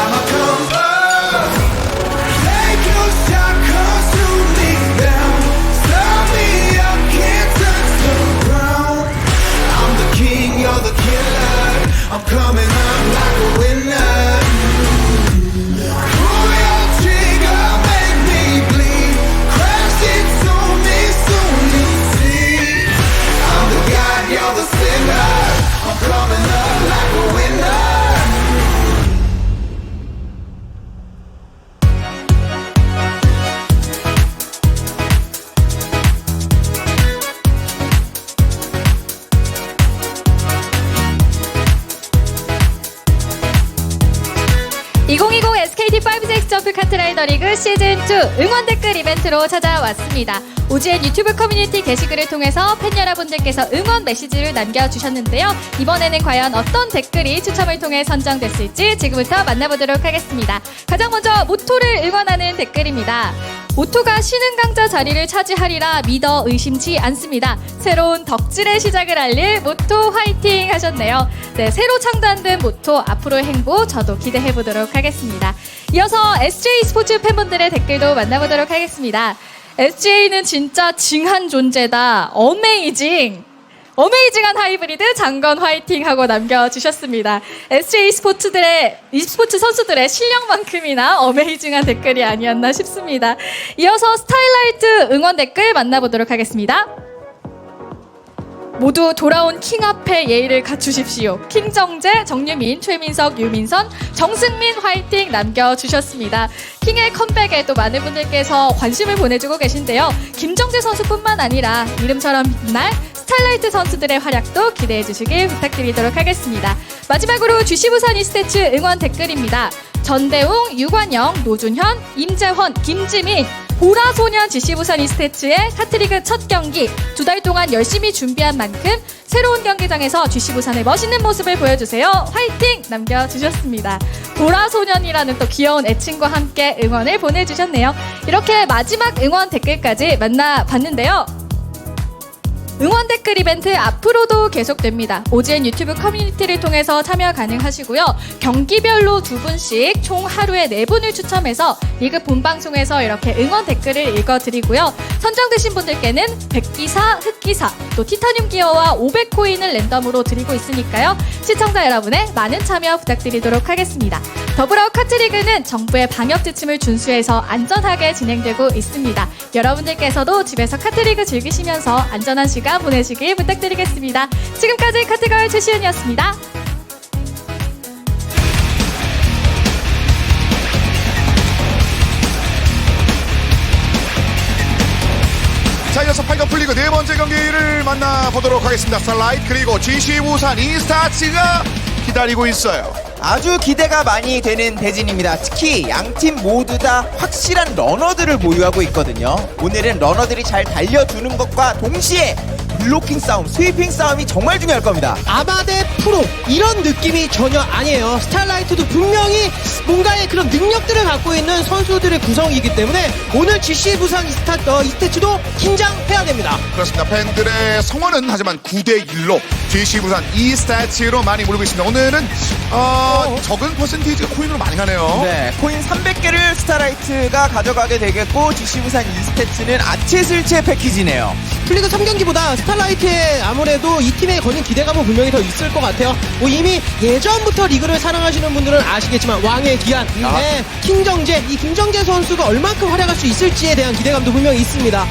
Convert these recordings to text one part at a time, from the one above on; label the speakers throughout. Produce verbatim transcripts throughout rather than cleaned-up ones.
Speaker 1: I'ma come up. Take your shot, 'cause you me down. Stop me up, can't touch the ground. I'm the king, you're the killer. I'm coming up like a winner. Pull your trigger, make me bleed. Crash it to me, soon you see. I'm the god, you're the sinner. I'm coming up like a winner.
Speaker 2: 이천이십 에스케이티 파이브 식스 점프 카트라이더 리그 시즌 투 응원 댓글 이벤트로 찾아왔습니다. 오지엔 유튜브 커뮤니티 게시글을 통해서 팬 여러분들께서 응원 메시지를 남겨주셨는데요. 이번에는 과연 어떤 댓글이 추첨을 통해 선정됐을지 지금부터 만나보도록 하겠습니다. 가장 먼저 모토를 응원하는 댓글입니다. 모토가 신흥 강자 자리를 차지하리라 믿어 의심치 않습니다. 새로운 덕질의 시작을 알릴 모토 화이팅 하셨네요. 네, 새로 창단된 모토 앞으로의 행보 저도 기대해보도록 하겠습니다. 이어서 에스제이 스포츠 팬분들의 댓글도 만나보도록 하겠습니다. 에스제이는 진짜 징한 존재다. 어메이징. 어메이징한 하이브리드 장건 화이팅 하고 남겨주셨습니다. 에스제이 스포츠들의, e스포츠 선수들의 실력만큼이나 어메이징한 댓글이 아니었나 싶습니다. 이어서 스타일라이트 응원 댓글 만나보도록 하겠습니다. 모두 돌아온 킹 앞에 예의를 갖추십시오. 킹정재, 정유민, 최민석, 유민선, 정승민 화이팅 남겨주셨습니다. 킹의 컴백에 또 많은 분들께서 관심을 보내주고 계신데요. 김정재 선수뿐만 아니라 이름처럼 빛날 스타일라이트 선수들의 활약도 기대해 주시길 부탁드리도록 하겠습니다. 마지막으로 지씨 부산 이스테츠 응원 댓글입니다. 전대웅, 유관영, 노준현, 임재헌, 김지민, 보라소년 지씨 부산 이스테츠의 카트리그 첫 경기 두 달 동안 열심히 준비한 만큼 새로운 경기장에서 지씨 부산의 멋있는 모습을 보여주세요. 화이팅! 남겨주셨습니다. 보라소년이라는 또 귀여운 애칭과 함께 응원을 보내주셨네요. 이렇게 마지막 응원 댓글까지 만나봤는데요. 응원 댓글 이벤트 앞으로도 계속됩니다. 오지엔 유튜브 커뮤니티를 통해서 참여 가능하시고요. 경기별로 두 분씩 총 하루에 네 분을 추첨해서 리그 본방송에서 이렇게 응원 댓글을 읽어드리고요. 선정되신 분들께는 백기사, 흑기사, 또 티타늄 기어와 오백 코인을 랜덤으로 드리고 있으니까요. 시청자 여러분의 많은 참여 부탁드리도록 하겠습니다. 더불어 카트리그는 정부의 방역 지침을 준수해서 안전하게 진행되고 있습니다. 여러분들께서도 집에서 카트리그 즐기시면서 안전한 시간 보내시길 부탁드리겠습니다. 지금까지 카트걸 최시은이었습니다.
Speaker 3: 자, 이어서 팔 강 풀리그 네 번째 경기를 만나보도록 하겠습니다. 스타라이트 그리고 지씨 부산 이스타츠가 기다리고 있어요.
Speaker 4: 아주 기대가 많이 되는 대진입니다. 특히 양팀 모두 다 확실한 러너들을 보유하고 있거든요. 오늘은 러너들이 잘 달려주는 것과 동시에 블로킹 싸움, 스위핑 싸움이 정말 중요할 겁니다.
Speaker 5: 아마 대 프로 이런 느낌이 전혀 아니에요. 스타라이트도 분명히 뭔가의 그런 능력들을 갖고 있는 선수들의 구성이기 때문에 오늘 지씨 부산 이스타, 어, 이스테츠도 긴장해야 됩니다.
Speaker 3: 그렇습니다. 팬들의 성원은 하지만 구 대 일로 지씨 부산 이스타츠로 많이 몰고 있습니다. 오늘은 어, 적은 퍼센테이지가 코인으로 많이 가네요.
Speaker 4: 네, 코인 삼백 개를 스타라이트가 가져가게 되겠고 지씨 부산 이스테츠는 아체슬체 패키지네요.
Speaker 5: 플리그 삼 경기보다 스타라이트에 아무래도 이 팀에 거는 기대감은 분명히 더 있을 것 같아요. 뭐 이미 예전부터 리그를 사랑하시는 분들은 아시겠지만 왕의 기한,
Speaker 4: 아.
Speaker 5: 네, 킹정재, 이 김정재 선수가 얼만큼 활약할 수 있을지에 대한 기대감도 분명히 있습니다.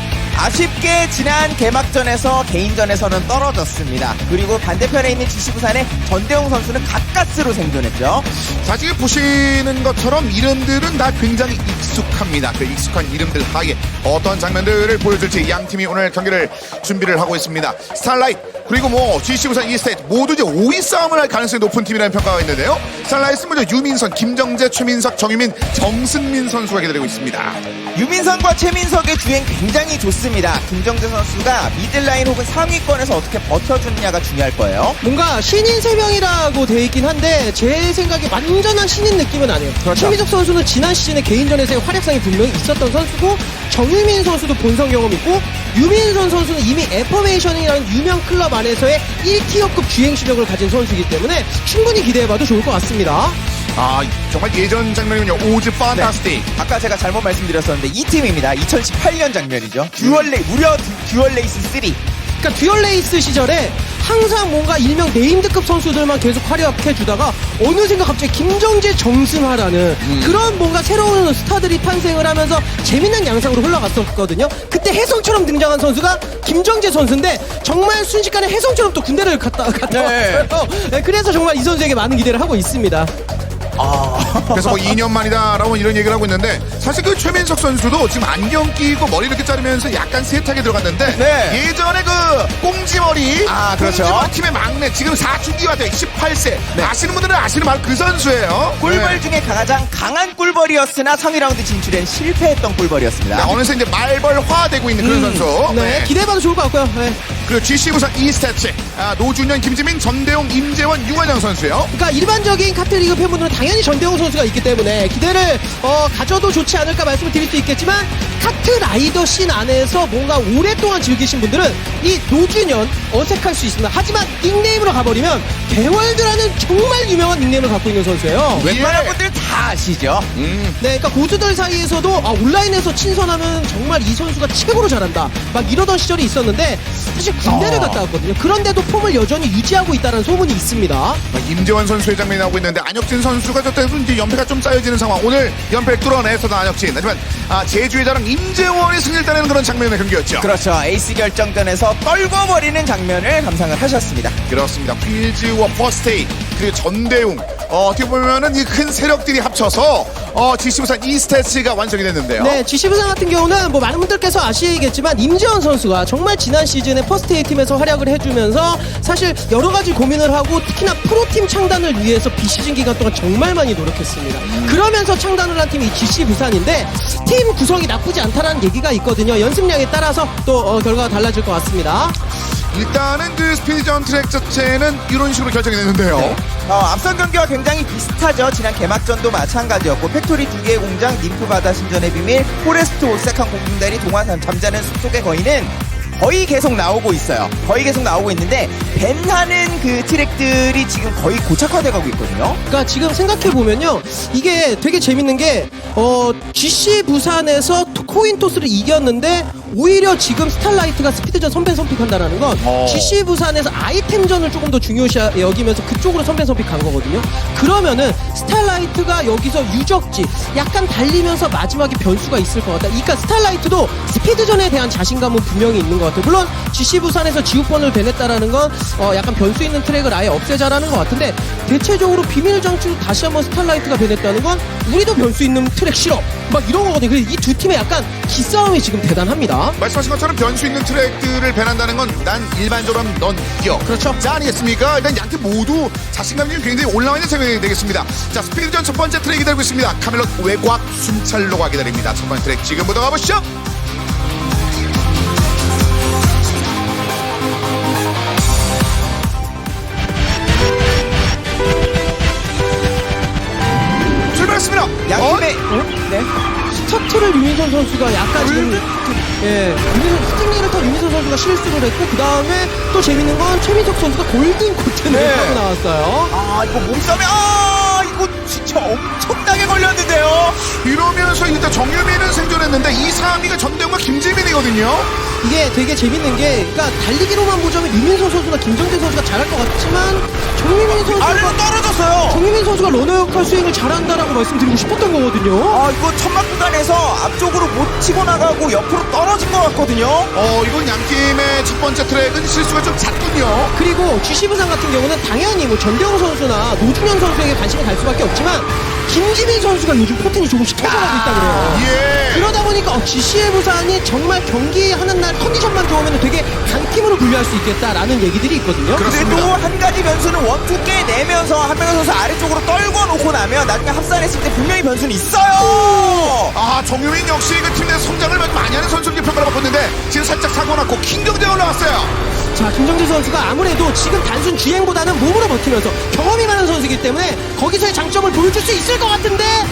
Speaker 4: 아쉽게 지난 개막전에서 개인전에서는 떨어졌습니다. 그리고 반대편에 있는 지씨 부산의 전대웅 선수는 가까스로 생존했죠.
Speaker 3: 자, 지금 보시는 것처럼 이름들은 다 굉장히 익숙합니다. 그 익숙한 이름들 하에 어떤 장면들을 보여줄지 양 팀이 오늘 경기를 준비를 하고 있습니다. 스타라이트 그리고 뭐 지씨 부산 이스테이트 모두 이제 오 위 싸움을 할 가능성이 높은 팀이라는 평가가 있는데요. 스타라이트는 먼저 유민선, 김정재, 최민석, 정유민, 정승민 선수가 기다리고 있습니다.
Speaker 4: 유민선과 최민석의 주행 굉장히 좋습니다. 김정재 선수가 미들라인 혹은 상위권에서 어떻게 버텨주느냐가 중요할 거예요.
Speaker 5: 뭔가 신인 세 명이라고 돼 있긴 한데 제 생각에 완전한 신인 느낌은 아니에요.
Speaker 4: 그렇죠.
Speaker 5: 최민석 선수는 지난 시즌에 개인전에서의 활약상이 분명히 있었던 선수고 정유민 선수도 본선 경험 있고 유민선 선수는 이미 애퍼메이션이라는 유명 클럽 안에서의 일 티어급 주행 실력을 가진 선수이기 때문에 충분히 기대해봐도 좋을 것 같습니다.
Speaker 3: 아 정말 예전 장면이군요. 오즈 판타스틱.
Speaker 4: 아까 제가 잘못 말씀드렸었는데 이 팀입니다. 이천십팔 년 장면이죠. 듀얼레이 무려 듀얼레이스 삼.
Speaker 5: 그러니까 듀얼레이스 시절에 항상 뭔가 일명 네임드급 선수들만 계속 활약해주다가 어느샌가 갑자기 김정재, 정승하라는 그런 뭔가 새로운 스타들이 탄생을 하면서 재밌는 양상으로 흘러갔었거든요. 그때 혜성처럼 등장한 선수가 김정재 선수인데 정말 순식간에 혜성처럼 또 군대를 갔다, 갔다
Speaker 4: 네.
Speaker 5: 왔어요. 네, 그래서 정말 이 선수에게 많은 기대를 하고 있습니다.
Speaker 3: 그래서 뭐 이 년 만이다라고 이런 얘기를 하고 있는데 사실 그 최민석 선수도 지금 안경 끼고 머리 이렇게 자르면서 약간 세트하게 들어갔는데
Speaker 4: 네.
Speaker 3: 예전에 그 꽁지머리
Speaker 4: 아, 그렇죠.
Speaker 3: 꽁지머리 팀의 막내 지금 사춘기가 돼 십팔 세 아시는 분들은 아시는 바로 그 선수예요.
Speaker 4: 꿀벌
Speaker 3: 네.
Speaker 4: 중에 가장 강한 꿀벌이었으나 상위 라운드 진출엔 실패했던 꿀벌이었습니다.
Speaker 3: 네, 어느새 이제 말벌화되고 있는 그런 선수.
Speaker 5: 네, 기대해봐도 좋을 것 같고요. 네.
Speaker 3: 그리고 지씨 부산 이스태츠 아, 노준현, 김지민, 전대웅, 임재원, 유관영 선수요.
Speaker 5: 그러니까 일반적인 카트리그 팬분들은 당연히 전대웅 선수가 있기 때문에 기대를 어, 가져도 좋지 않을까 말씀을 드릴 수 있겠지만 카트 라이더 씬 안에서 뭔가 오랫동안 즐기신 분들은 이 노준현 어색할 수 있습니다. 하지만 닉네임으로 가버리면 개월드라는 정말 유명한 닉네임을 갖고 있는 선수예요.
Speaker 4: 웬만한
Speaker 3: 예.
Speaker 4: 분들 다 아시죠?
Speaker 3: 음.
Speaker 5: 네, 그러니까 고수들 사이에서도 아, 온라인에서 친선하면 정말 이 선수가 최고로 잘한다 막 이러던 시절이 있었는데 사실 군대를
Speaker 3: 어.
Speaker 5: 갔다 왔거든요. 그런데도 폼을 여전히 유지하고 있다는 소문이 있습니다.
Speaker 3: 아, 임재원 선수의 장면이 나오고 있는데 안혁진 선수가 저때도 이제 연패가 좀 쌓여지는 상황. 오늘 연패를 뚫어내서도 안혁진. 하지만 아, 제주의 자랑 임재원이 승리를 따내는 그런 장면의 경기였죠.
Speaker 4: 그렇죠. 에이스 결정전에서 떨궈버리는 장면을 감상을 하셨습니다.
Speaker 3: 그렇습니다. 휠즈와 퍼스테이 그리고 전대웅 어, 어떻게 보면은 이 큰 세력들이 합쳐서 어, 지씨 부산 이스태츠가 완성이 됐는데요.
Speaker 5: 네, 지시부상 같은 경우는 뭐 많은 분들께서 아시겠지만 임재원 선수가 정말 지난 시즌에 퍼스트 A 팀에서 활약을 해주면서 사실 여러 가지 고민을 하고 특히나 프로팀 창단을 위해서 비시즌 기간 동안 정말 많이 노력했습니다. 그러면서 창단을 한 팀이 지씨 부산인데 팀 구성이 나쁘지 않다라는 얘기가 있거든요. 연습량에 따라서 또 어, 결과가 달라질 것 같습니다.
Speaker 3: 일단은 그 스피드전 트랙 자체는 이런 식으로 결정이 됐는데요.
Speaker 4: 네. 어, 앞선 경기와 굉장히 비슷하죠. 지난 개막전도 마찬가지였고 팩토리 두 개의 공장, ним프 바다 신전의 비밀, 포레스트 오색한 공중다리, 동화산 잠자는 숲속의 거인은 거의 계속 나오고 있어요. 거의 계속 나오고 있는데 밴하는 그 트랙들이 지금 거의 고착화돼 가고 있거든요.
Speaker 5: 그러니까 지금 생각해 보면요, 이게 되게 재밌는 게 어, 지씨 부산에서 코인 토스를 이겼는데 오히려 지금 스타라이트가 스피드전 선배 선픽한다라는 건
Speaker 3: 어.
Speaker 5: 지씨 부산에서 아이템전을 조금 더 중요시 여기면서 그쪽으로 선배 선픽한 거거든요. 그러면은 스타라이트가 여기서 유적지 약간 달리면서 마지막에 변수가 있을 것 같다. 그러니까 스타라이트도 스피드전에 대한 자신감은 분명히 있는 것 같아요. 물론 지씨 부산에서 지우펀을 배냈다라는 건 어, 약간 변수 있는 트랙을 아예 없애자라는 것 같은데 대체적으로 비밀 장치로 다시 한번 스타라이트가 배냈다는 건 우리도 변수 있는 트랙 싫어 막 이런 거거든요. 그래서 이 두 팀의 약간 기싸움이 지금 대단합니다.
Speaker 3: 말씀하신 것처럼 변수 있는 트랙들을 배난다는 건 난 일반적으로 하면 넌 이겨.
Speaker 5: 그렇죠.
Speaker 3: 자, 아니겠습니까? 일단 양 팀 모두 자신감이 굉장히 올라와 있는 장면이 되겠습니다. 자, 스피드전 첫 번째 트랙이 기다리고 있습니다. 카멜롯 외곽 순찰로가 기다립니다. 첫 번째 트랙 지금부터 가보시죠. 출발했습니다.
Speaker 4: 양팀의
Speaker 3: 어?
Speaker 4: 네.
Speaker 5: 스타트를 유민선 선수가 약간 지금 예, 유민선 스팅리를 타 유민선 선수가 실수를 했고 그 다음에 또 재밌는 건 최민석 선수가 골든 코트를
Speaker 4: 네.
Speaker 5: 하고 나왔어요.
Speaker 4: 아 이거 몸싸움에 아 이거 진짜 엄청나게 걸렸는데요.
Speaker 3: 이러면서 일단 정유민은 생존했는데 이, 삼 위가 전대웅과 김재민이거든요.
Speaker 5: 이게 되게 재밌는 게 그러니까 달리기로만 보자면 유민선 선수나 김정재 선수가 잘할 것 같지만 정유민
Speaker 4: 아래로
Speaker 5: 선수가
Speaker 4: 떨어졌어요.
Speaker 5: 정유민 선수가 러너 역할 수행을 잘한다라고 말씀드리고 싶었던 거거든요.
Speaker 4: 아 이거 천막 구간에서 앞쪽으로 못 치고 나가고 옆으로 떨어진 것 같거든요.
Speaker 3: 어, 이건 양 팀의 첫 번째 트랙은 실수가 좀 잦군요.
Speaker 5: 그리고 지씨 부산 같은 경우는 당연히 뭐 전대웅 선수나 노준현 선수에게 관심이 갈 수밖에 없지만 김지민 선수가 요즘 포텐이 조금씩 터져가고 있다 그래요.
Speaker 3: 예.
Speaker 5: 그러다 보니까 어, 지씨의 부산이 정말 경기하는 날 컨디션만 좋으면 되게 강팀으로 분류할 수 있겠다라는 얘기들이 있거든요.
Speaker 3: 그렇습니다.
Speaker 4: 그래도 한 가지 변수는 원투 깨내면서 한명호 선수 아래쪽으로 떨궈 놓고 나면 나중에 합산했을 때 분명히 변수는 있어요.
Speaker 3: 아, 정유민 역시 그 팀 내 성장을 많이 하는 선수로 평가를 받았는데 지금 살짝 사고 났고 킹경제 올라왔어요.
Speaker 5: 자, 김정재 선수가 아무래도 지금 단순 주행보다는 몸으로 버티면서 경험이 많은 선수이기 때문에 거기서의 장점을 보여줄 수 있을 것 같은데 약간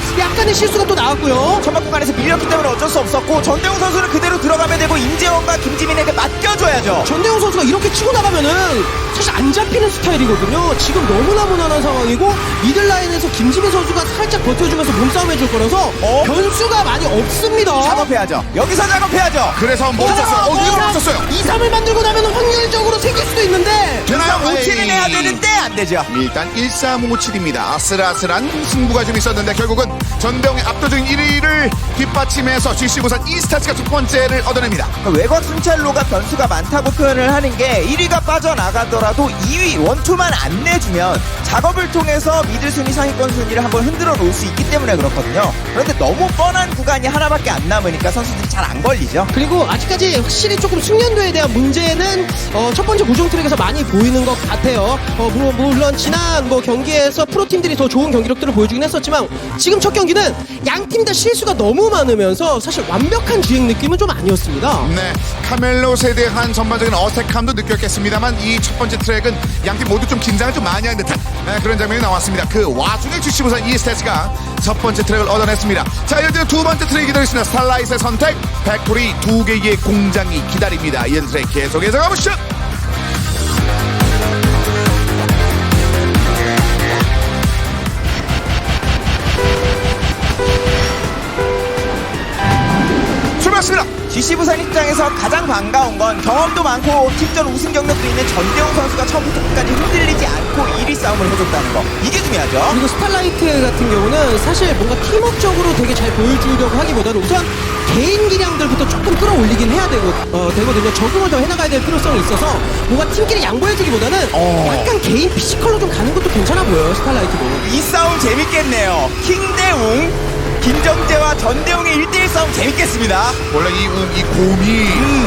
Speaker 5: 약간의 실수가 또 나왔고요.
Speaker 4: 천막 구간에서 밀렸기 때문에 어쩔 수 없었고 전대웅 선수는 그대로 들어가면 되고 임재원과 김지민에게 맡겨줘야죠.
Speaker 5: 전대웅 선수가 이렇게 치고 나가면은 사실 안 잡히는 스타일이거든요. 지금 너무나 무난한 상황이고 미들라인에서 김지민 선수가 살짝 버텨주면서 몸싸움 해줄 거라서
Speaker 4: 어?
Speaker 5: 변수가 많이 없습니다.
Speaker 4: 작업해야죠. 여기서 작업해야죠.
Speaker 3: 그래서 멈췄어요. 어, 이거 멈췄어요.
Speaker 5: 이, 삼을 만들고 나면 확률적으로 생길 수도 있는데
Speaker 3: 되나요?
Speaker 4: 오 킬은
Speaker 3: 에이.
Speaker 4: 해야 되는데 안 되죠.
Speaker 3: 일단 일삼오칠입니다. 아슬아슬한 승부가 좀 있었는데 결국은 전대웅의 압도적인 일 위를 뒷받침해서 지씨 부산 이스타츠가 두 번째를 얻어냅니다.
Speaker 4: 그러니까 외곽 순찰로가 변수가 많다고 표현을 하는 게 일 위가 빠져나가더라도 이 위 원투만 안 내주면 작업을 통해서 미들 순위 상위권 순위를 한번 흔들어 놓을 수 있기 때문에 그렇거든요. 그런데 너무 뻔한 구간이 하나밖에 안 남으니까 선수들이 잘 안 걸리죠.
Speaker 5: 그리고 아직까지 확실히 조금 숙련도에 대한 문제는 어, 첫 번째 고정 트랙에서 많이 보이는 것 같아요. 어, 물론, 물론 지난 뭐 경기에서 프로팀들이 더 좋은 경기력들을 보여주긴 했었지만 지금 첫 경기는 양 팀 다 실수가 너무 많으면서 사실 완벽한 주행 느낌은 좀 아니었습니다.
Speaker 3: 네, 카멜롯에 대한 전반적인 어색함도 느꼈겠습니다만 이 첫 번째 트랙은 양팀 모두 좀 긴장을 좀 많이 한 듯한 네, 그런 장면이 나왔습니다. 그 와중에 지씨 부산 이스타츠가 첫 번째 트랙을 얻어냈습니다. 자, 이어지는 두 번째 트랙이 기다리시는 스타라이트의 선택, 팩토리 두 개의 공장이 기다립니다. 이어지는 트랙 계속해서 가보시죠. 출발했습니다.
Speaker 4: 지씨 부산 입장에서 가장 반가운 건 경험도 많고 팀전 우승 경력도 있는 전대웅 선수가 처음부터 끝까지 흔들리지 않고 일 위 싸움을 해줬다는 거. 이게 중요하죠.
Speaker 5: 그리고 스타라이트 같은 경우는 사실 뭔가 팀워크적으로 되게 잘 보여주려고 하기보다는 우선 개인 기량들부터 조금 끌어올리긴 해야 되고, 어, 되거든요. 적응을 더 해나가야 될 필요성이 있어서 뭔가 팀끼리 양보해주기보다는
Speaker 4: 어.
Speaker 5: 약간 개인 피지컬로 좀 가는 것도 괜찮아 보여요, 스타라이트도.
Speaker 4: 이 싸움 재밌겠네요. 킹대웅 김정재와 전대웅의 일 대일 싸움 재밌겠습니다.
Speaker 3: 원래 이, 음, 이 곰이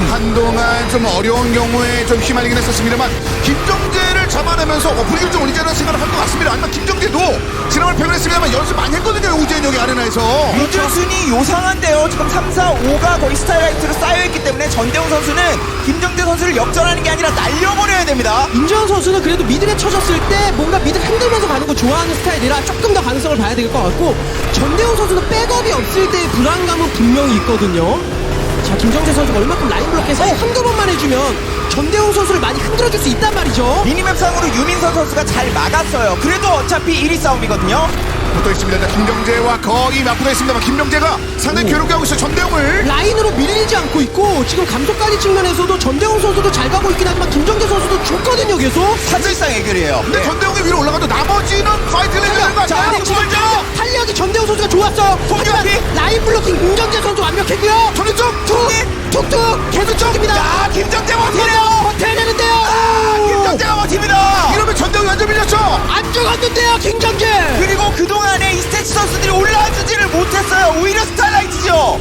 Speaker 3: 한동안 좀 어려운 경우에 좀 휘말리긴 했었습니다만 김정재를 잡아내면서 어, 분위기를 좀 올리자는 생각을 한 것 같습니다. 아니면 김정재도 지난번 패배했습니다만 연습 많이 했거든요. 우재현 여기 아레나에서.
Speaker 4: 미들 순위 요상한데요. 지금 삼, 사, 오가 거의 스타일라이트로 쌓여있기 때문에 전대웅 선수는 김정재 선수를 역전하는 게 아니라 날려버려야 됩니다.
Speaker 5: 임재원 선수는 그래도 미들에 쳐졌을 때 뭔가 미들 흔들면서 가는 거 좋아하는 스타일이라 조금 더 가능성을 봐야 될 것 같고, 전대웅 선수는 백업이 없을 때의 불안감은 분명히 있거든요. 자, 김정재 선수가 얼마큼 라인 블록해서 한두 번만 해주면 전대웅 선수를 많이 흔들어줄 수 있단 말이죠.
Speaker 4: 미니맵상으로 유민선 선수가 잘 막았어요. 그래도 어차피 일 위 싸움이거든요.
Speaker 3: 붙어 있습니다. 김정재와 거의 맞붙어 있습니다만 김정재가 상당히 괴롭게 하고 있어요. 전대웅을.
Speaker 5: 라인으로 밀리지 않고 있고 지금 감속까지 측면에서도 전대웅 선수도 잘 가고 있긴 하지만 김정재 선수도 좋거든요, 계속.
Speaker 4: 사실상 해결이에요.
Speaker 3: 근데
Speaker 4: 네.
Speaker 3: 전대웅이 위로 올라가도 나머지는 파이트를 해야 되는 거
Speaker 5: 자,
Speaker 3: 아니에요?
Speaker 5: 지금 탄력이 전대웅 선수가 좋았어. 하지만 라인 블로킹 김정재 선수 완벽했고요.
Speaker 3: 전대 쪽!
Speaker 5: 툭! 툭툭! 계속 쪽입니다.
Speaker 4: 야, 김정재 버티네요.
Speaker 5: 버텨야 되는데요.
Speaker 4: 아, 김정재가 버팁니다.
Speaker 3: 이러면 전대웅이 완전 밀렸죠?
Speaker 5: 안 죽었는데요, 김정재.
Speaker 4: 그리고 그동안에 이 스태츠 선수들이 올라와주지를 못했어요. 오히려 스타일라이트죠.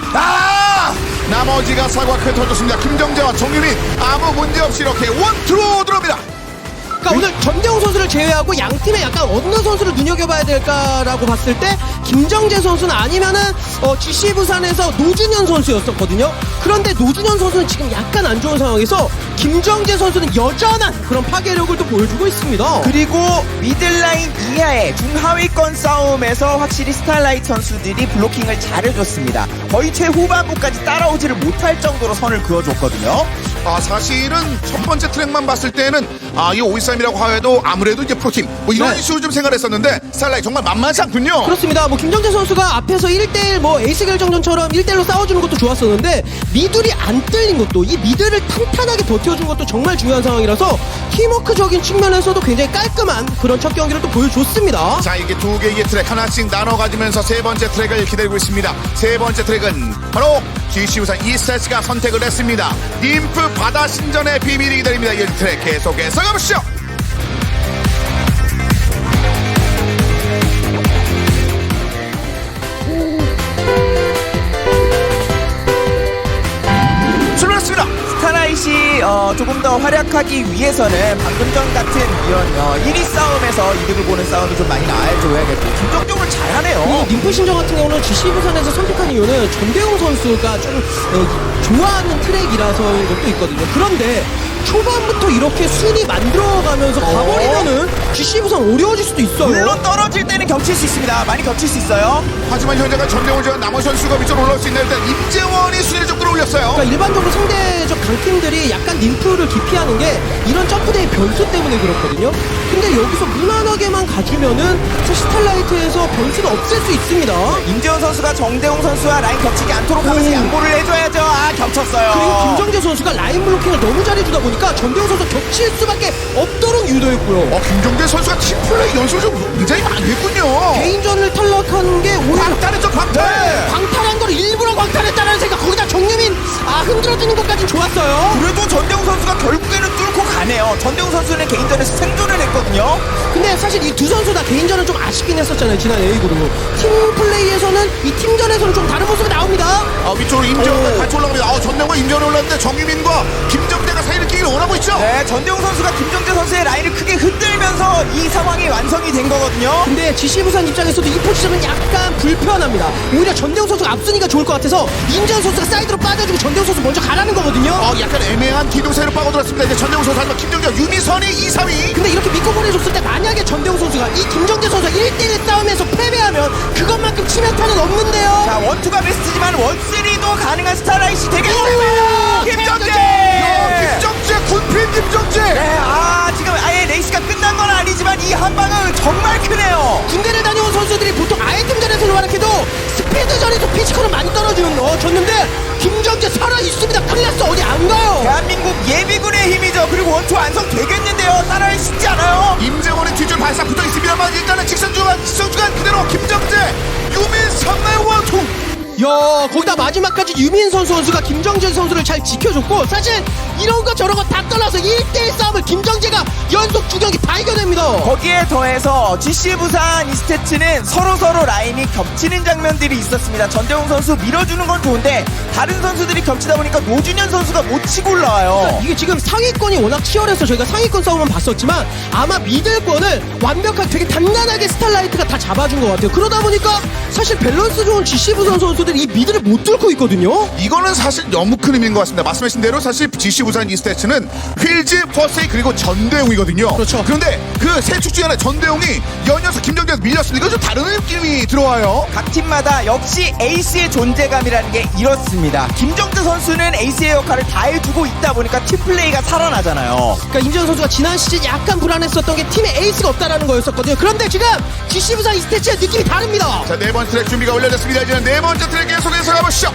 Speaker 4: 아!
Speaker 3: 나머지가 사과 큰 터졌습니다. 김정재와 정유민 아무 문제 없이 이렇게 원투로 들어옵니다.
Speaker 5: 그러니까 오늘 전대웅 선수를 제외하고 양 팀에 약간 어느 선수를 눈여겨봐야 될까라고 봤을 때 김정재 선수는 아니면은 어, 지씨 부산에서 노준현 선수였었거든요. 그런데 노준현 선수는 지금 약간 안 좋은 상황에서 김정재 선수는 여전한 그런 파괴력을 또 보여주고 있습니다.
Speaker 4: 그리고 미들라인 이하의 중하위권 싸움에서 확실히 스타일라이트 선수들이 블로킹을 잘해줬습니다. 거의 최후반부까지 따라오지를 못할 정도로 선을 그어줬거든요.
Speaker 3: 아, 사실은 첫 번째 트랙만 봤을 때는 아, 이 오이삼이라고 하여도 아무래도 이제 프로팀 뭐 이런
Speaker 5: 네.
Speaker 3: 이슈를 좀 생각을 했었는데 스타일라이트 정말 만만치 않군요.
Speaker 5: 그렇습니다. 뭐 김정재 선수가 앞에서 일 대일 뭐 에이스 결정전처럼 일 대일로 싸워주는 것도 좋았었는데 미들이 안 뚫린 것도, 이 미들을 탄탄하게 버텨준 것도 정말 중요한 상황이라서 팀워크적인 측면에서도 굉장히 깔끔한 그런 첫 경기를 또 보여줬습니다.
Speaker 3: 자, 이게 두 개의 트랙 하나씩 나눠 가지면서 세 번째 트랙을 기다리고 있습니다. 세 번째 트랙은 바로 지씨 부산 이스타츠가 선택을 했습니다. 님프 바다 신전의 비밀이 기다립니다. 이 트랙 계속해서 가보시죠. 출발했습니다.
Speaker 4: 스타라이시 어, 조금 더 활약하기 위해서는 방금 전 같은 이런 어, 일 위 싸움에서 이득을 보는 싸움이 좀 많이 나와줘야겠고 김정적으로 잘하네요.
Speaker 5: 그리고 님프 신정 같은 경우는 지씨 부산에서 선택한 이유는 전대웅 선수가 좀 어, 좋아하는 트랙이라서인 것도 있거든요. 그런데 초반부터 이렇게 순위 만들어가면서 가버리면은 지씨 부산 어려워질 수도 있어요.
Speaker 4: 물론 떨어질 때는 겹칠 수 있습니다. 많이 겹칠 수 있어요.
Speaker 3: 하지만 현재가 전대원 지원 나머지 선수가 위쪽으로 올라올 수 있는 일단 임재원이 순위를 좀 끌어올렸어요.
Speaker 5: 그러니까 일반적으로 상대적 강팀들이 약간 림프를 기피하는 게 이런 점프대의 변수 때문에 그렇거든요. 근데 여기서 무난하게만 가주면은 사실 스탈라이트에서 변수는 없앨 수 있습니다.
Speaker 4: 임재원 선수가 정대웅 선수와 라인 겹치지 않도록 하면서
Speaker 5: 오.
Speaker 4: 양보를 해줘야죠. 아, 겹쳤어요.
Speaker 5: 그리고 김정재 선수가 라인 블로킹을 너무 잘해주다 보니까 전대웅 선수 겹칠 수밖에 없도록 유도했고요.
Speaker 3: 어, 김종대 선수가 팀플레이 연습을 좀 굉장히 많이 했군요.
Speaker 5: 개인전을 탈락하는 게 오히려
Speaker 3: 광탈했죠, 광탈.
Speaker 5: 광탈한 걸 일부러 광탈했다는 생각. 거기다 정유민 아 흔들어주는 것까진 좋았어요.
Speaker 4: 그래도 전대웅 선수가 결국에는 뚫고 가네요. 전대웅 선수는 개인전에서 생존을 했거든요.
Speaker 5: 근데 사실 이 두 선수 다 개인전은 좀 아쉽긴 했었잖아요. 지난 A그룹 팀 플레이에서는 이 팀전에서는 좀 다른 모습이 나옵니다.
Speaker 3: 아, 위쪽으로 임재원과
Speaker 5: 오.
Speaker 3: 같이 올라갑니다. 아, 전대원과 임재원이 올랐는데 정유민과 김정대가 사이를 끼기를 원하고 있죠.
Speaker 4: 네, 전대웅 선수가 김정재 선수의 라인을 크게 흔들면서 이 상황이 완성이 된 거거든요.
Speaker 5: 근데 지씨 부산 입장에서도 이 포지션은 약간 불편합니다. 오히려 전대웅 선수가 앞서니까 좋을 것 같아서 임재원 선수가 사이드로 빠져주고 전대웅 선수 먼저 가라는 거거든요.
Speaker 3: 어, 약간 애매한 기동세로 빠져들었습니다. 이제 전대웅 선수 하지만 김정재, 유미선이 이, 삼 위.
Speaker 5: 근데 이렇게 믿고 보내줬을 때 만약에 전대웅 선수가 이 김정재 선수가 일 대 일 싸움에서 패배하면 그것만큼 치명타는 없는데요.
Speaker 4: 자, 원투가 베스트지만 원쓰리도 가능한 스타라이시
Speaker 5: 오!
Speaker 4: 되겠습니다. 김정재!
Speaker 3: 야, 김정재, 군필 김정재.
Speaker 4: 네, 아, 지금 아예 레이스가 끝난 건 아니지만 이 한 방은 정말 크네요.
Speaker 5: 군대를 다녀온 선수들이 보통 아이템전에서는 활약해도 스피드전에서 피지컬은 많이 떨어지는 어 졌는데 김정재 살아있습니다. 클래스 어디 안 가요.
Speaker 4: 대한민국 예비군의 힘이죠. 그리고 원투 완성되겠는데요. 따라할 수 있지 않아요?
Speaker 3: 임재원의 뒤줄 발사 붙어 있습니다만 일단은 직선 주간, 직선 주간 그대로 김정재, 유민선의 원투.
Speaker 5: 야 거기다 마지막까지 유민 선수 선수가 김정재 선수를 잘 지켜줬고 사실 이런 거 저런 거 다 떠나서 일 대 일 싸움을 김정재가 연속 두 경기 다 이겨냅니다.
Speaker 4: 거기에 더해서 지씨 부산 이스테츠는 서로서로 라인이 겹치는 장면들이 있었습니다. 전대웅 선수 밀어주는 건 좋은데 다른 선수들이 겹치다 보니까 노준현 선수가 못 치고 올라와요.
Speaker 5: 이게 지금 상위권이 워낙 치열해서 저희가 상위권 싸움은 봤었지만 아마 미들권을 완벽하게 되게 단단하게 스탈라이트가 다 잡아준 것 같아요. 그러다 보니까 사실 밸런스 좋은 지씨 부산 선수들이 이 미들을 못 뚫고 있거든요.
Speaker 3: 이거는 사실 너무 큰 의미인 것 같습니다. 말씀하신 대로 사실 지씨 부산 이스테츠는 휠즈, 퍼세이 그리고 전대웅이거든요.
Speaker 5: 그렇죠.
Speaker 3: 그런데 그 세 축 중에 하나 전대웅이 연이어서 김정재에서 밀렸으니까 좀 다른 느낌이 들어와요.
Speaker 4: 각 팀마다 역시 에이스의 존재감이라는 게 이렇습니다. 김정재 선수는 에이스의 역할을 다 해주고 있다 보니까 팀플레이가 살아나잖아요.
Speaker 5: 그러니까 임재원 선수가 지난 시즌 약간 불안했었던 게 팀에 에이스가 없다라는 거였었거든요. 그런데 지금 지씨 부산 이스테츠의 느낌이 다릅니다.
Speaker 3: 자, 네 번째 트랙 준비가 완료됐습니다. 이제 네 번째 트랙 계속해서 가보시죠.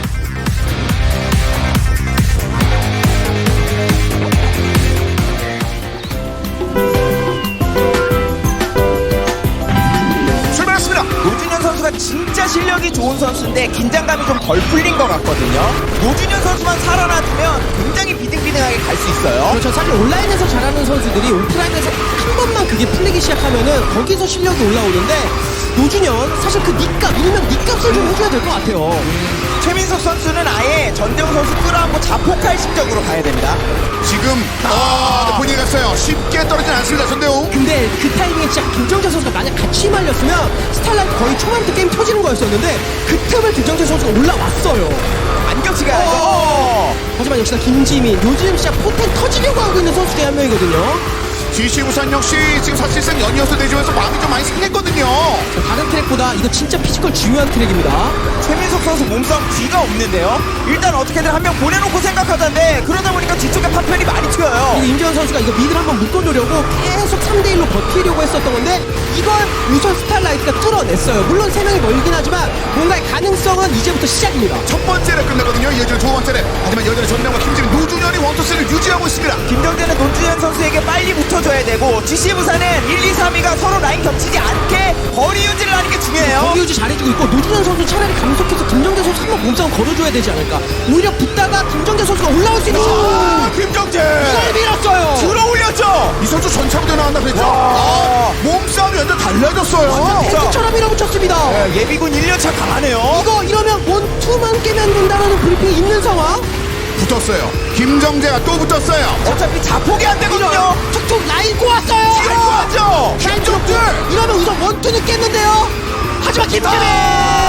Speaker 3: 출발했습니다.
Speaker 4: 노준현 선수가 진짜 실력이 좋은 선수인데 긴장감이 좀 덜 풀린 것 같거든요. 노준현 선수만 살아나주면 굉장히 비등비등하게 갈 수 있어요.
Speaker 5: 그렇죠. 사실 온라인에서 잘하는 선수들이 오프라인에서 한 번만 그게 풀리기 시작하면은 거기서 실력이 올라오는데 노준현 사실 그 니값 일명 니값을 좀 해줘야 될 것 같아요.
Speaker 4: 최민석 선수는 아예 전대웅 선수 끌어안고 자폭할 심적으로 가야 됩니다.
Speaker 3: 지금 아, 네, 본인이 갔어요. 쉽게 떨어지진 않습니다. 전대웅.
Speaker 5: 근데 그 타이밍에 진짜 김정재 선수가 만약 같이 말렸으면 스탈라이트 거의 초반부터 게임 터지는 거였었는데 그 틈을 김정재 선수가 올라왔어요.
Speaker 4: 안 겹치게 하죠.
Speaker 5: 어. 하지만 역시나 김지민 요즘 진짜 포텐 터지려고 하고 있는 선수 중에 한 명이거든요.
Speaker 3: 지씨 부산 역시 지금 사실상 연이어서 내주면서 마음이 좀 많이 상했거든요.
Speaker 5: 다른 트랙보다 이거 진짜 피지컬 중요한 트랙입니다.
Speaker 4: 최민석 선수 몸싸움 뒤가 없는데요. 일단 어떻게든 한 명 보내놓고 생각하던데 그러다 보니까 뒤쪽에 파편이 많이 튀어요.
Speaker 5: 그리고 임재원 선수가 이거 미드를 한번 묶어놓으려고 계속 삼 대 일로 버티려고 했었던 건데 이걸 우선 스탈라이트가 뚫어냈어요. 물론 세 명이 멀긴 하지만 뭔가의 가능성은 이제부터 시작입니다.
Speaker 3: 첫 번째 랩 끝났거든요. 이어지는 두 번째 랩. 하지만 여전히 전대웅과 김지민, 노준현이 원투스를 유지하고 있습니다.
Speaker 4: 김정재는 노준현 선수에게 빨리 붙어줘야 되고 지씨 부산은 일, 이, 삼 위가 서로 라인 겹치지 않게 거리 유지를 하는 게 중요해요.
Speaker 5: 거리 유지 잘해주고 있고 노준현 선수 차라리 감속해서 김정재 선수 한번 몸싸움 걸어줘야 되지 않을까. 오히려 붙다가 김정재 선수가 올라올 수 있는
Speaker 3: 아, 김정재.
Speaker 5: 이걸 밀었어요.
Speaker 4: 들어 올렸죠.
Speaker 3: 이 선수 전차부터 나왔나 그랬죠?
Speaker 4: 와.
Speaker 3: 아, 몸싸움이 완전 달라졌어요.
Speaker 5: 탱크처럼 밀어붙였습니다.
Speaker 4: 네, 예비군 일 년차 강하네요.
Speaker 5: 이거 이러면 원투만 깨면 된다는 브리핑이 있는 상황.
Speaker 3: 붙었어요. 김정재가 또 붙었어요.
Speaker 4: 어차피 자폭이 안 되거든요.
Speaker 5: 툭툭 라인 꼬았어요.
Speaker 4: 뒤로 하죠.
Speaker 3: 김정재.
Speaker 5: 이러면 우선 원투는 깼는데요. 하지만 김태민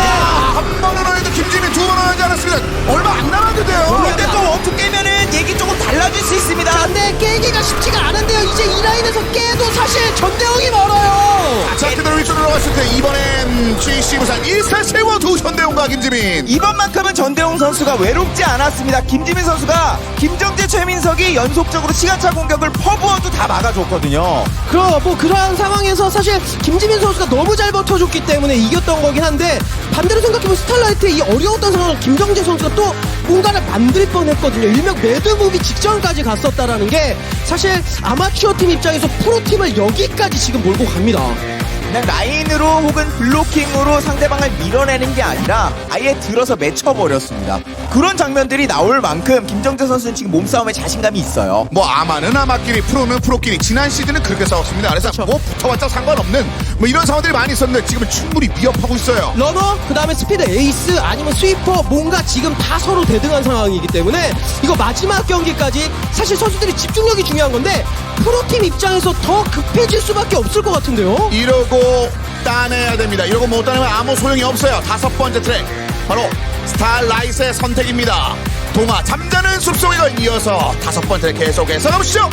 Speaker 3: 한 번은 하는데 김지민 두 번은 하지 않았습니다. 얼마 안 남았는데요.
Speaker 4: 근데 또 원투 깨면은 얘기 조금 달라질 수 있습니다.
Speaker 5: 근데 깨기가 쉽지가 않은데요. 이제 이 라인에서 깨도 사실 전대웅이 멀어요.
Speaker 3: 자, 그대로 위쪽으로 올라갔을 때 이번엔 지씨 부산 일 세 세워두 전대웅과 김지민.
Speaker 4: 이번만큼은 전대웅 선수가 외롭지 않았습니다. 김지민 선수가 김정재, 최민석이 연속적으로 시간차 공격을 퍼부어도 다 막아줬거든요.
Speaker 5: 그럼 뭐 그러한 상황에서 사실 김지민 선수가 너무 잘 버텨줬기 때문에 이겼던 거긴 한데 반대로 생각해보면 스타라이트의 이 어려웠던 상황을 김정재 선수가 또 뭔가를 만들 뻔했거든요. 일명 매드무비 직전까지 갔었다라는 게 사실 아마추어 팀 입장에서 프로팀을 여기까지 지금 몰고 갑니다.
Speaker 4: 그냥 라인으로 혹은 블로킹으로 상대방을 밀어내는 게 아니라 아예 들어서 맺혀버렸습니다. 그런 장면들이 나올 만큼 김정재 선수는 지금 몸싸움에 자신감이 있어요.
Speaker 3: 뭐 아마는 아마끼리 프로는 프로끼리 지난 시즌은 그렇게 싸웠습니다. 그래서 뭐 붙어봤자 상관없는 뭐 이런 상황들이 많이 있었는데 지금은 충분히 위협하고 있어요.
Speaker 5: 러너, 그 다음에 스피드 에이스, 아니면 스위퍼, 뭔가 지금 다 서로 대등한 상황이기 때문에 이거 마지막 경기까지 사실 선수들이 집중력이 중요한 건데 프로팀 입장에서 더 급해질 수밖에 없을 것 같은데요.
Speaker 3: 이러고 따내야 됩니다. 이러고 못 따내면 아무 소용이 없어요. 다섯 번째 트랙 바로 스타라이트의 선택입니다. 동화 잠자는 숲속에 이어서 다섯 번째 트랙 계속해서 가보시죠.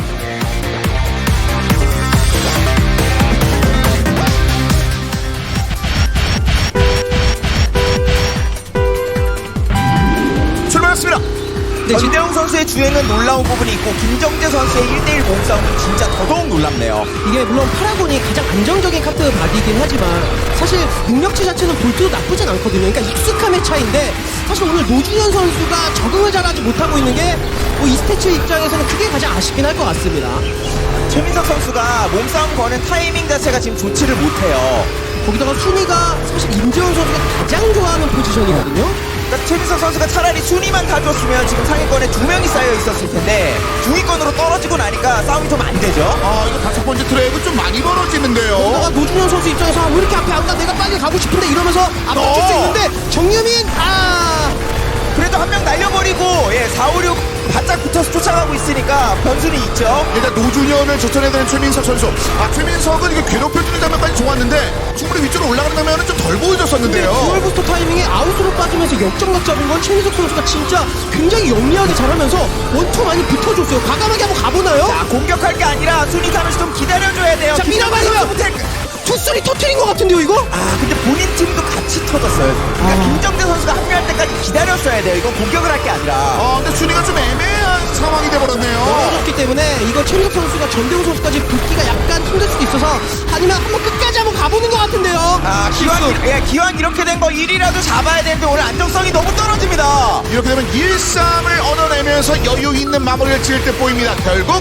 Speaker 3: 출발했습니다.
Speaker 4: 전대웅 선수의 주행은 놀라운 부분이 있고 김정재 선수의 일 대일 몸싸움은 진짜 더더욱 놀랍네요.
Speaker 5: 이게 물론 파라곤이 가장 안정적인 카트 바디이긴 하지만 사실 능력치 자체는 볼트도 나쁘진 않거든요. 그러니까 익숙함의 차이인데 사실 오늘 노준현 선수가 적응을 잘하지 못하고 있는 게 뭐 이스테츠 입장에서는 그게 가장 아쉽긴 할 것 같습니다.
Speaker 4: 최민석 선수가 몸싸움 거는 타이밍 자체가 지금 좋지를 못해요.
Speaker 5: 거기다가 순위가 사실 임재원 선수가 가장 좋아하는 포지션이거든요.
Speaker 4: 그러니까 최민석 선수가 차라리 순위만 가져왔으면 지금 상위권에 두 명이 쌓여 있었을 텐데 중위권으로 떨어지고 나니까 싸움이 좀 안 되죠.
Speaker 3: 아 이거 다섯 번째 트랙은 좀 많이 벌어지는데요.
Speaker 5: 거기다가 노준현 선수 입장에서 아, 왜 이렇게 앞에 안 가? 내가 빨리 가고 싶은데 이러면서 앞서칠 수
Speaker 3: 어.
Speaker 5: 있는데 정유민 아
Speaker 4: 그래도 한 명 날려버리고 예, 사, 오, 육 바짝 붙어서 쫓아가고 있으니까 변수는 있죠.
Speaker 3: 일단 노준현을 쫓아내야 되는 최민석 선수. 아 최민석은 이게 괴롭혀주는 장면까지 좋았는데 충분히 위쪽으로 올라가려면 좀 덜 보여줬었는데요.
Speaker 5: 듀얼 부스터 타이밍에 아웃으로 빠지면서 역전각 잡은 건 최민석 선수가 진짜 굉장히 영리하게 잘하면서 원투 많이 붙어줬어요. 과감하게 한번 가보나요?
Speaker 4: 자, 공격할 게 아니라 순위 타면서 좀 기다려줘야 돼요.
Speaker 5: 자, 밀어봐요. 투쓰리 터트린 것 같은데요 이거?
Speaker 4: 아, 근데 본인 팀도 같이 터졌어요. 그러니까
Speaker 5: 아.
Speaker 4: 김정재 선수가 합류할 때까지 기다렸어야 돼요. 이건 공격을 할 게 아니라.
Speaker 3: 아 근데 순위가 좀 애매한 상황이 돼버렸네요.
Speaker 5: 떨어졌기 때문에 이거 최민석 선수가 전대웅 선수까지 붙기가 약간 힘들 수도 있어서 아니면 한번 끝까지 한번 가보는 것 같은데요.
Speaker 4: 아, 기왕, 이- 예, 기왕 이렇게 된 거 일 위라도 잡아야 되는데 오늘 안정성이 너무 떨어집니다.
Speaker 3: 이렇게 되면 일, 삼을 얻어내면서 여유 있는 마무리를 지을 때 보입니다. 결국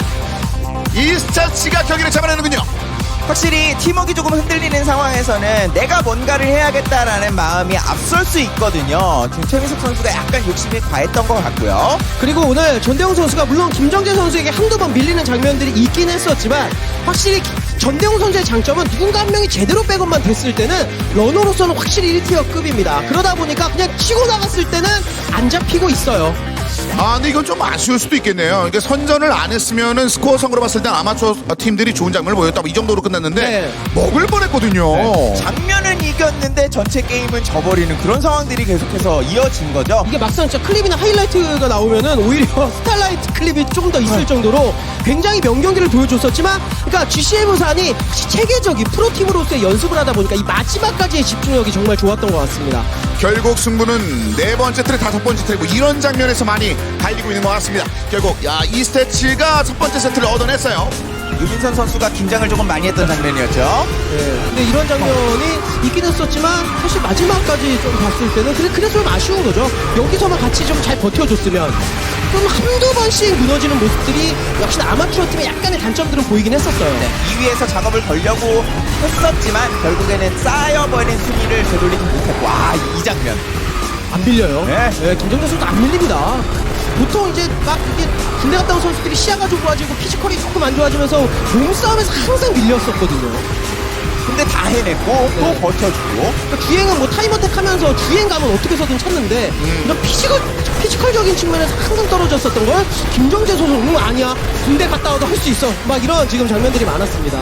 Speaker 3: 이스타치가 경기를 잡아내는군요.
Speaker 4: 확실히 팀워크가 조금 흔들리는 상황에서는 내가 뭔가를 해야겠다라는 마음이 앞설 수 있거든요. 지금 최민석 선수가 약간 욕심이 과했던 것 같고요.
Speaker 5: 그리고 오늘 전대웅 선수가 물론 김정재 선수에게 한두 번 밀리는 장면들이 있긴 했었지만 확실히 전대웅 선수의 장점은 누군가 한 명이 제대로 백업만 됐을 때는 러너로서는 확실히 일 티어급입니다. 그러다 보니까 그냥 치고 나갔을 때는 안 잡히고 있어요.
Speaker 3: 아 근데 이건 좀 아쉬울 수도 있겠네요. 이게 선전을 안 했으면은 스코어 상으로 봤을 땐 아마추어 팀들이 좋은 장면을 보였다. 이 정도로 끝났는데
Speaker 5: 네.
Speaker 3: 먹을 뻔했거든요.
Speaker 4: 장면은 이겼는데 전체 게임은 져버리는 그런 상황들이 계속해서 이어진 거죠.
Speaker 5: 이게 막상 진짜 클립이나 하이라이트가 나오면은 오히려 스타라이트 클립이 좀 더 있을 정도로 굉장히 명경기를 보여줬었지만 그러니까 지씨엠 부산이 체계적인 프로팀으로서의 연습을 하다 보니까 이 마지막까지의 집중력이 정말 좋았던 것 같습니다.
Speaker 3: 결국 승부는 네 번째 트랙, 다섯 번째 트랙 뭐 이런 장면에서 많이 갈리고 있는 것 같습니다. 결국 야 이스테치가 첫 번째 세트를 얻어냈어요.
Speaker 4: 유민선 선수가 긴장을 조금 많이 했던 장면이었죠.
Speaker 5: 네. 근데 이런 장면이 있긴 했었지만 사실 마지막까지 좀 봤을 때는 그래, 그래서 좀 아쉬운 거죠. 여기서만 같이 좀 잘 버텨줬으면 좀 한두 번씩 무너지는 모습들이 역시나 아마추어 팀의 약간의 단점들은 보이긴 했었어요.
Speaker 4: 네, 이 위에서 작업을 걸려고 했었지만 결국에는 쌓여버린 순위를 되돌리지 못했고 와, 이 장면.
Speaker 5: 안 밀려요.
Speaker 4: 네.
Speaker 5: 네, 김정재 선수도 안 밀립니다. 보통 이제 막 이게 군대 갔다 온 선수들이 시야가 좀 좋아지고 피지컬이 조금 안 좋아지면서 몸싸움에서 항상 밀렸었거든요.
Speaker 4: 근데 다 해냈고 또
Speaker 5: 네.
Speaker 4: 버텨주고
Speaker 5: 그러니까 주행은 뭐 타임어택 하면서 주행감은 어떻게 해서든 찾는데 이런 피지컬, 피지컬적인 측면에서 항상 떨어졌었던 걸 김정재 선수 음 아니야 군대 갔다 와도 할 수 있어 막 이런 지금 장면들이 많았습니다.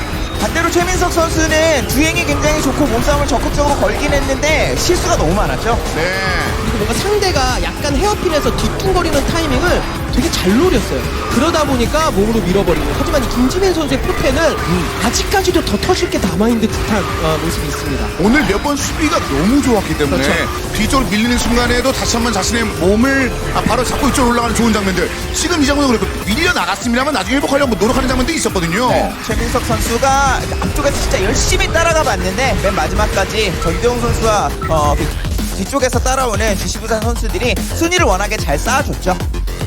Speaker 4: 반대로 최민석 선수는 주행이 굉장히 좋고 몸싸움을 적극적으로 걸긴 했는데 실수가 너무 많았죠.
Speaker 3: 네.
Speaker 5: 그리고 뭔가 상대가 약간 헤어핀에서 뒤뚱거리는 타이밍을 되게 잘 노렸어요. 그러다 보니까 몸으로 밀어버리고. 하지만 이 김지민 선수의 포태는 아직까지도 더 터질 게 남아있는 듯한 어, 모습이 있습니다.
Speaker 3: 오늘 몇 번 수비가 너무 좋았기 때문에
Speaker 5: 그렇죠.
Speaker 3: 뒤쪽으로 밀리는 순간에도 다시 한번 자신의 몸을 아, 바로 잡고 이쪽으로 올라가는 좋은 장면들. 지금 이 장면도 그렇고 밀려 나갔습니다만 나중에 회복하려고 노력하는 장면도 있었거든요.
Speaker 4: 네, 최민석 선수가 앞쪽에서 진짜 열심히 따라가 봤는데 맨 마지막까지 전대웅 선수와 어, 그 뒤쪽에서 따라오는 지시부산 선수들이 순위를 워낙에 잘 쌓아줬죠.